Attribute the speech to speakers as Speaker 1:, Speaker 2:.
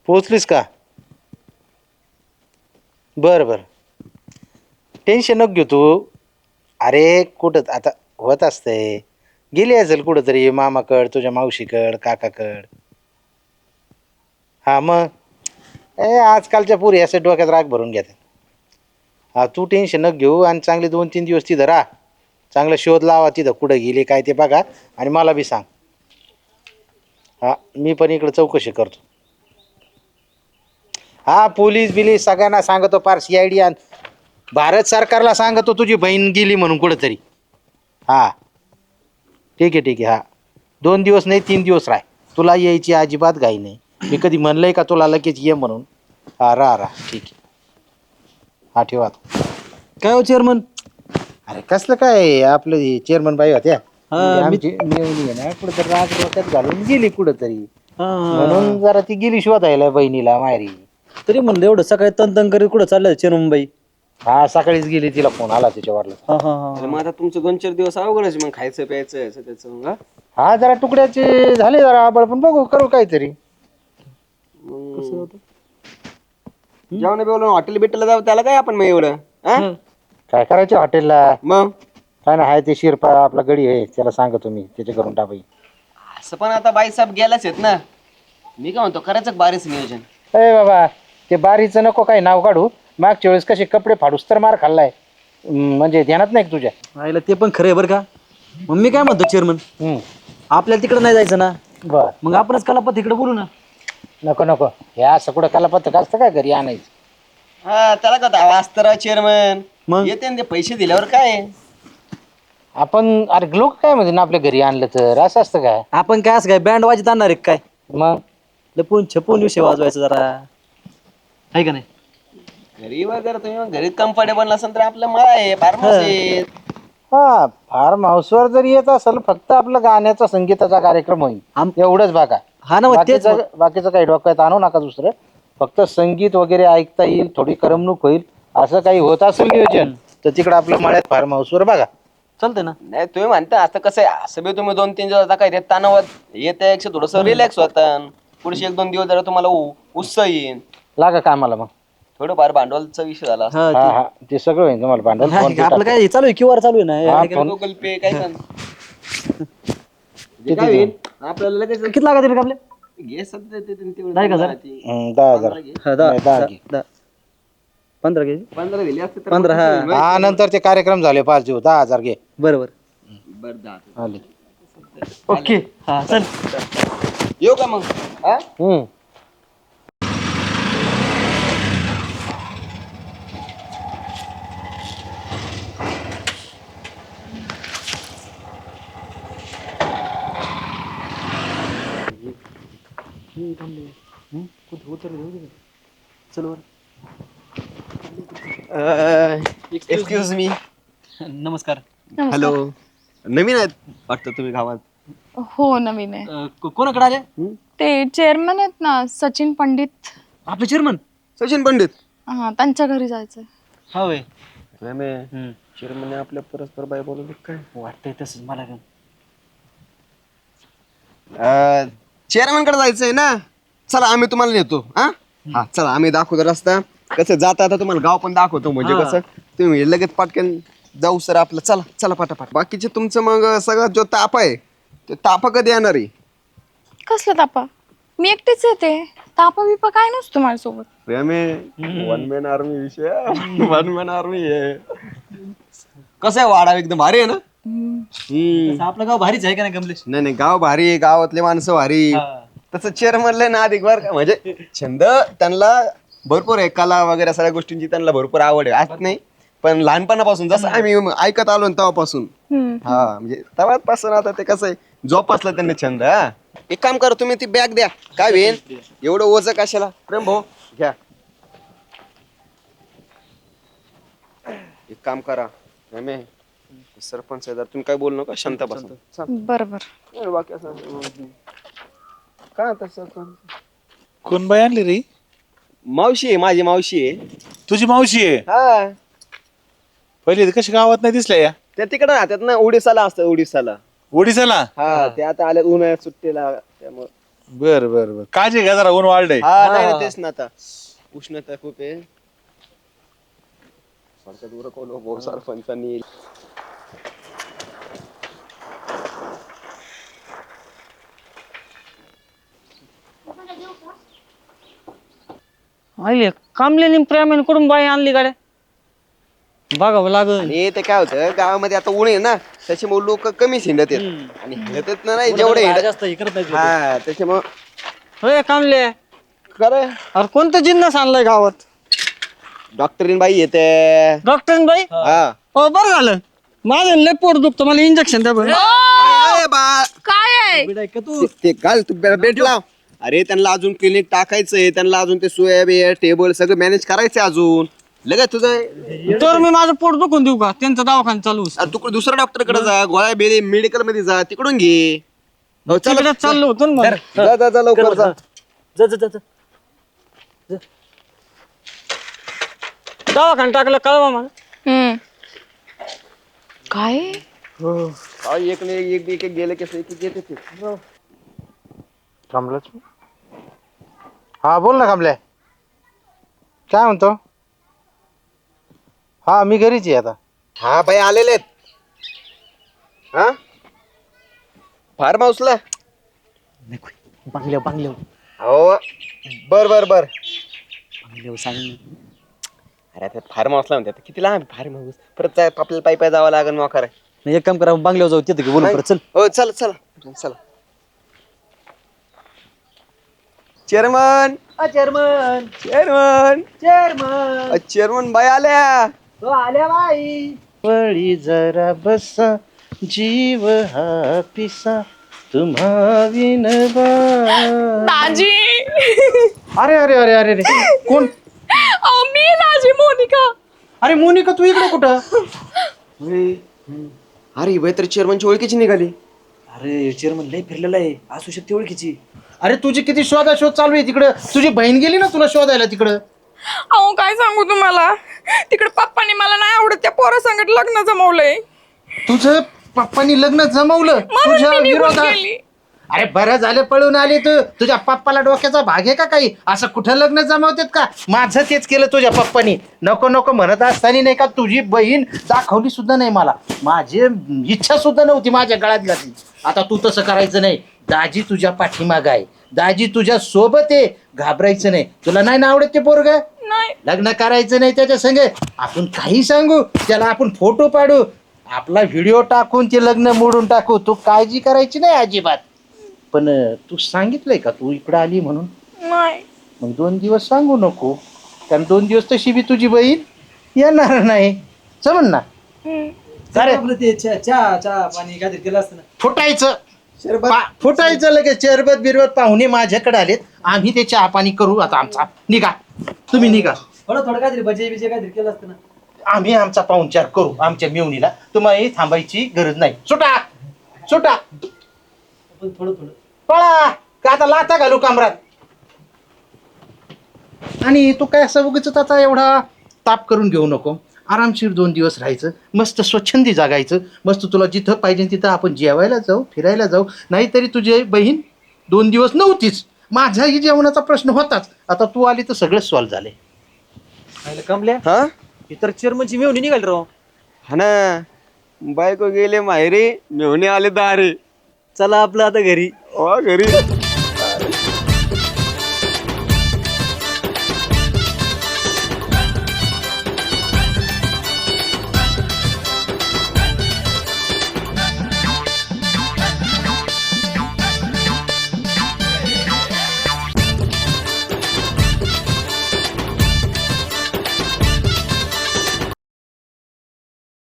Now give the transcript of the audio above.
Speaker 1: पोहोचलीस का? बरं बरं, टेन्शन नको घेऊ तू. अरे कुठं आता होत असतंय, गेली असेल कुठंतरी मामाकड, तुझ्या मावशीकड, काकाकड. हा मग आजकालच्या पुरी असं डोक्यात राग भरून घेतात. हा तू टेन्शन नको घेऊ आणि चांगले 2-3 दिवस तिथं राहा. चांगला शोध लावा तिथं कुठं गेली काय ते बघा आणि मला बी सांग. हा मी पण इकडे चौकशी करतो. हा पोलीस बिलीस सगळ्यांना सांगतो, पार CID भारत सरकारला सांगतो तुझी बहीण गेली म्हणून कुठंतरी. हा ठीक आहे हा. 2 दिवस नाही 3 दिवस राह. तुला यायची अजिबात घाई नाही. मी कधी म्हणलंय का तुला लगेच ये म्हणून? हा राहा ठीक आहे. हा ठेवा.
Speaker 2: काय हो चेअरमन?
Speaker 1: अरे कसलं काय आपलं चेअरमन बाई होत्या ते
Speaker 2: हा मी
Speaker 1: आमची मेवणी आहे ना कुठंतरी राग डोक्यात घालून गेली कुठंतरी.
Speaker 2: हा
Speaker 1: म्हणून जरा ती गेली शोधायला बहिणीला माहेरी.
Speaker 2: तरी म्हणलं एवढं सकाळी तन करीत कुठं चाललंय चेअरमन बाई?
Speaker 1: हा सकाळीच गेली, तिला फोन आला तिच्या वडिलांचा.
Speaker 2: हा हा
Speaker 3: अरे मग आता तुमचं 2-4 दिवस अवघडच मग खायचं प्यायचं असं त्याचं मग
Speaker 1: हा जरा तुकड्याचे झाले जरा आबळ, पण बघू करू काहीतरी.
Speaker 2: कसं होतं?
Speaker 3: जेवण बिवलं हॉटेल बिटेलला जाऊ त्याला काय आपण मग एवढं हा?
Speaker 1: काय करायचं हॉटेलला?
Speaker 3: मग
Speaker 1: काय ना हाय ते शिरपा आपला गडी आहे, त्याला सांगतो मी, त्याच्या करून टाकाई.
Speaker 3: असं पण आता बाईसाहेब गेलाच आहेत ना. मी काय म्हणतो करायचं बारीच नियोजन.
Speaker 1: अरे बाबा ते बारीचं नको काही नाव काढू. मागच्या वेळेस कसे कपडे फाडूस तर मार खाल्लाय. म्हणजे ध्यानात नाही का तुझ्या?
Speaker 2: आईला ते पण खरं आहे बरं का. मग मी काय म्हणतो चेअरमन, आपल्याला तिकडे नाही जायचं ना,
Speaker 1: बर
Speaker 2: मग आपणच कलापत इकडे बोलू ना.
Speaker 1: नको हे असं कुठं कालापत्रक असतं काय घरी आणायचं?
Speaker 3: हा त्याला का दावा असतं राव चेअरमन.
Speaker 2: मग?
Speaker 3: येते ना ते पैसे दिल्यावर काय.
Speaker 1: आपण अरे लोक काय म्हणजे ना आपल्या घरी आणलं तर असं असतं काय?
Speaker 2: आपण काय असं काय बँड वाजत आणणार आहे काय?
Speaker 1: मग
Speaker 2: लपून छपून विषय वाजवायचा जरा, आहे का नाही?
Speaker 3: घरी वगैरे तुम्ही मग घरी कम्फर्टेबल नसेल तर आपलं मळा आहे फार्मस आहे.
Speaker 1: हा फार्म हाऊसवर जर येत असेल फक्त आपलं गाण्याचा संगीताचा कार्यक्रम होईल एवढंच बघा.
Speaker 2: हा ना मग तेच
Speaker 1: बाकीचं काही डोक्यात आणू नका दुसरं. फक्त संगीत वगैरे ऐकता येईल, थोडी करमणूक होईल, असं काही होत असेल नियोजन तर तिकडं आपल्या मळ्यात फार्म हाऊसवर बघा.
Speaker 2: चालतंय ना.
Speaker 3: नाही तुम्ही म्हणता आता कसं आहे, असं बी तुम्ही 2-3 दिवस आता काय ते तणावात येते थोडस रिलॅक्स होता. पुढचे 1-2 दिवस जरा तुम्हाला उत्साह येईल.
Speaker 1: लागा कामाला मग.
Speaker 3: थोडंफार भांडवलचा विषय झाला असता.
Speaker 2: हा
Speaker 1: हा ते सगळं होईल तुम्हाला भांडण.
Speaker 2: ते- आपलं काय चालू आहे QR चालू आहे ना.
Speaker 1: हा,
Speaker 2: आहे का नाही?
Speaker 3: गुगल पे काय पण. जे काय होईल आपल्याला लगेच
Speaker 2: किती लागत आहे आपल्या?
Speaker 3: घे सध्या ते तेवढं
Speaker 2: 10,000?
Speaker 3: ती
Speaker 1: 10,000.
Speaker 3: घे.
Speaker 2: हा,
Speaker 1: नाही, 10 घे.
Speaker 2: 15 घे.
Speaker 3: 15 दिली असते तर
Speaker 2: पंधरा,
Speaker 3: मग
Speaker 2: हा.
Speaker 3: कसं होईल
Speaker 1: हा
Speaker 3: माहिती
Speaker 1: नंतर ते कार्यक्रम झाले 5 दिवस 10,000 घे.
Speaker 2: बरोबर.
Speaker 3: आहे? बरं 10.
Speaker 1: आले.
Speaker 2: ओके. हा चल.
Speaker 3: येऊ का मग हा?
Speaker 2: चल वर.
Speaker 3: Excuse me.
Speaker 2: नमस्कार.
Speaker 3: हॅलो. नवीन आहेत वाटतं तुम्ही गावात.
Speaker 4: हो नवीन आहे.
Speaker 2: कोणाकडे आले?
Speaker 4: ते चेअरमन आहेत ना सचिन पंडित.
Speaker 2: आपले चेअरमन.
Speaker 3: सचिन पंडित.
Speaker 4: हा त्यांच्या घरी जायचंय.
Speaker 2: हा वय.
Speaker 3: चेअरमन आपल्या परस्पर बाय बोलवली काय
Speaker 2: वाटतंय तसंच मला पण.
Speaker 3: चेअरमन कडे जायचंय ना. चला आम्ही तुम्हाला नेतो. हा चला आम्ही दाखवतो रस्ता. कसं जाता आता तुम्हाला गाव पण दाखवतो म्हणजे
Speaker 2: हा.
Speaker 3: कसं तुम्ही लगेच पटकन जाऊ सर आपलं. चला चला पटापट. बाकीचे तुमचं मग सगळं जो ताप आहे ते ताप कधी येणार आहे?
Speaker 4: कसला तापा? मी एकटीच येते. तापा बिपा काय नसतो माझ्यासोबत.
Speaker 3: वन मॅन आर्मी विषय. वन मॅन आर्मी आहे. कसं आहे वाडा एकदम भारी आहे ना.
Speaker 2: तसं आपलं गाव भारीच आहे का नाही कमलेश?
Speaker 3: नाही गाव भारी आहे. गावातले माणसं भारी. तसं चेअरमनला ना अधिक बर का म्हणजे छंद त्यांना भरपूर आहे. कला वगैरे सगळ्या गोष्टींची त्यांना भरपूर आवड आहे असं नाही. पण लहानपणापासून जसं आम्ही ऐकत आलो ना तेव्हापासून हा म्हणजे तेव्हापासून आता ते कसं आहे जोपासलं त्यांनी छंद. हा एक काम करा तुम्ही ती बॅग द्या. काय होईल एवढं ओझं कशाला. प्रेम भाऊ घ्या. एक काम करा सरपंच आहे तुम्ही काय बोलू नका शांत बसा.
Speaker 4: बरोबर.
Speaker 3: बाकी असं काय आता सरपंच
Speaker 5: कोण बाई आणली रे?
Speaker 3: मावशी आहे माझी मावशी आहे.
Speaker 5: तुझी मावशी आहे?
Speaker 3: हा
Speaker 5: पहिले कशी गावात नाही दिसल्या या?
Speaker 3: त्या तिकडे राहतात ना. उडीसाला असतं उडीसाला.
Speaker 5: ओडिसाला?
Speaker 3: हा ते आता आल्यात उन्हाळ्यात सुट्टीला त्यामुळे
Speaker 5: बर बर बर काळजी घ्या जरा ऊन वाढलंय.
Speaker 3: हा नाही नाही, तेच ना आता उष्णता खूप आहे. सारखं दूर कोण भाऊ सरपंचांनी
Speaker 6: आले कामल्याने प्रेमाने करून बाई आणली गाड्या बघावं लागल.
Speaker 3: आणि ते काय होतं गावामध्ये आता ऊन आहे ना त्याच्यामुळे लोक कमी हिंडत आहेत आणि हिंडत ना नाही जेवढे
Speaker 2: जास्त हे करत नाही.
Speaker 3: हा त्याच्यामुळे
Speaker 6: होय कामले
Speaker 3: खरं
Speaker 6: अरे कोणतं जिन्नस आणलाय गावात?
Speaker 3: डॉक्टरीन बाई येते.
Speaker 6: डॉक्टर बाई
Speaker 3: हा
Speaker 6: हो बरं झालं माझं लय पोट दुखतं मला इंजेक्शन द्या बरं.
Speaker 3: अरे बा
Speaker 4: काय आहे?
Speaker 2: बिडाय का तू
Speaker 3: ते घाल तू बेट लाव. अरे त्यांना अजून क्लिनिक टाकायचंय त्यांना अजून ते सोया बिया टेबल सगळं मॅनेज करायचंय अजून लगेच तुझं.
Speaker 6: तर मी माझं पोट दुखून देऊ का त्यांचा दवाखाना चालू
Speaker 3: तू दुसऱ्या डॉक्टर कडे जा गोळ्या बेरे मेडिकल मध्ये जा तिकडून घे. हो, चल
Speaker 6: तिकडे चाललो होतो ना मग.
Speaker 3: जा जा जा लवकर जा.
Speaker 2: जा जा जा
Speaker 6: दवाखाना टाकलं कळवा मला.
Speaker 4: काय?
Speaker 3: हा, एक नाही एक एक गेले कसं एक येते ते.
Speaker 1: कमलाच हा बोल ना कमल्या काय म्हणतो. हा मी घरीच आहे आता.
Speaker 3: हा बाई आलेले आहेत. हा फार्म हाऊसला
Speaker 2: बांगल्यावर
Speaker 3: हो बर बर बर.
Speaker 2: सांग.
Speaker 3: अरे ते फार्म हाऊसला म्हणतात किती लांब फार्म हाऊस परत आपल्याला पायी पायी जावं लागेल मग खरं.
Speaker 2: एक काम करा बांगल्यावर जाऊ तिथे बोलू परत चल.
Speaker 3: हो चल चला चला. Chairman
Speaker 2: chairman
Speaker 3: chairman
Speaker 2: chairman
Speaker 3: chairman बाई आल्या.
Speaker 2: आल्या बाई.
Speaker 1: पळी जरा बसा जीव हा पिसा तुम्हा विनबा.
Speaker 4: दाजी.
Speaker 1: अरे अरे अरे अरे अरे कोण.
Speaker 4: अहो मी दाजी मोनिका.
Speaker 1: अरे मोनिका तू इकडे कुठं.
Speaker 3: अरे बाई तर चेअरमनची ओळखीची निघाली.
Speaker 2: अरे चेअरमन लय फिरलेला आहे असू शकते ओळखीची.
Speaker 1: अरे तुझी किती शोध चालू आहे तिकडं. तुझी बहीण गेली ना तुला शोधायला तिकडं.
Speaker 4: अहो काय सांगू तुम्हाला तिकडे पप्पानी मला नाही आवडत त्या पोरासंगत लग्न जमवलंय
Speaker 1: तुझं पप्पानी लग्न जमवलं
Speaker 4: म्हणून
Speaker 1: तुझ्या
Speaker 4: मी निघून
Speaker 1: विरोधात.
Speaker 4: गेली.
Speaker 1: अरे बरं झालं पळून आली तू. तुझ्या पप्पाला डोक्याचा भाग आहे का काही. असं कुठं लग्न जमावतात का. माझं तेच केलं तुझ्या पप्पानी. नको नको म्हणत असताना नाही का तुझी बहीण दाखवली सुद्धा नाही मला. माझी इच्छा सुद्धा नव्हती माझ्या गळ्यात घातली. आता तू तसं करायचं नाही. दाजी तुझ्या पाठीमाग आहे. दाजी तुझ्या सोबत आहे. घाबरायचं नाही. तुला नाही ना आवडत ते पोरग.
Speaker 4: नाही
Speaker 1: लग्न करायचं नाही त्याच्या संग. आपण काही सांगू त्याला आपण फोटो पाडू आपला व्हिडिओ टाकून ते लग्न मोडून टाकू. तू काळजी करायची नाही अजिबात. पण तू सांगितलंय का तू इकडं आली म्हणून.
Speaker 4: नाही.
Speaker 1: मग 2 दिवस सांगू नको कारण 2 दिवस तशी बी तुझी बहीण येणार नाही. समज ना. अरे
Speaker 2: आपलं ते चहा पाणी काहीतरी केलं असतं ना.
Speaker 1: फुटायचं फुटायचं लगेच. चरबत बिरबत पाहुणे माझ्याकडे आलेत. आम्ही ते चहा पाणी करू आता. आमचा निघा तुम्ही निघा.
Speaker 2: थोडं काहीतरी भजे बिजे काहीतरी केलं असतं ना.
Speaker 1: आम्ही आमचा पाहुणचार करू आमच्या मेवणीला. तुम्हाला थांबायची गरज नाही. सुटा सुटा
Speaker 2: पण थोडं
Speaker 1: पळा का आता लाथा घालू कामरात. आणि तू काय असं उगीच आता एवढा ताप करून घेऊ नको. आरामशीर 2 दिवस राहायचं. मस्त स्वच्छंदी जागायचं. मस्त तुला जिथं पाहिजे तिथं आपण जेवायला जाऊ फिरायला जाऊ. नाहीतरी तुझी बहीण 2 दिवस नव्हतीच. माझाही जेवणाचा प्रश्न होताच. आता तू आली तर सगळं सॉल्व्ह झाले.
Speaker 2: कमल्या
Speaker 3: हा
Speaker 2: इतर चेअरमनची मेवणी निघाल राव.
Speaker 3: हा ना बायको गेले माहेरी मेहणे आले दारे.
Speaker 2: चला आपलं आता घरी.
Speaker 3: घरी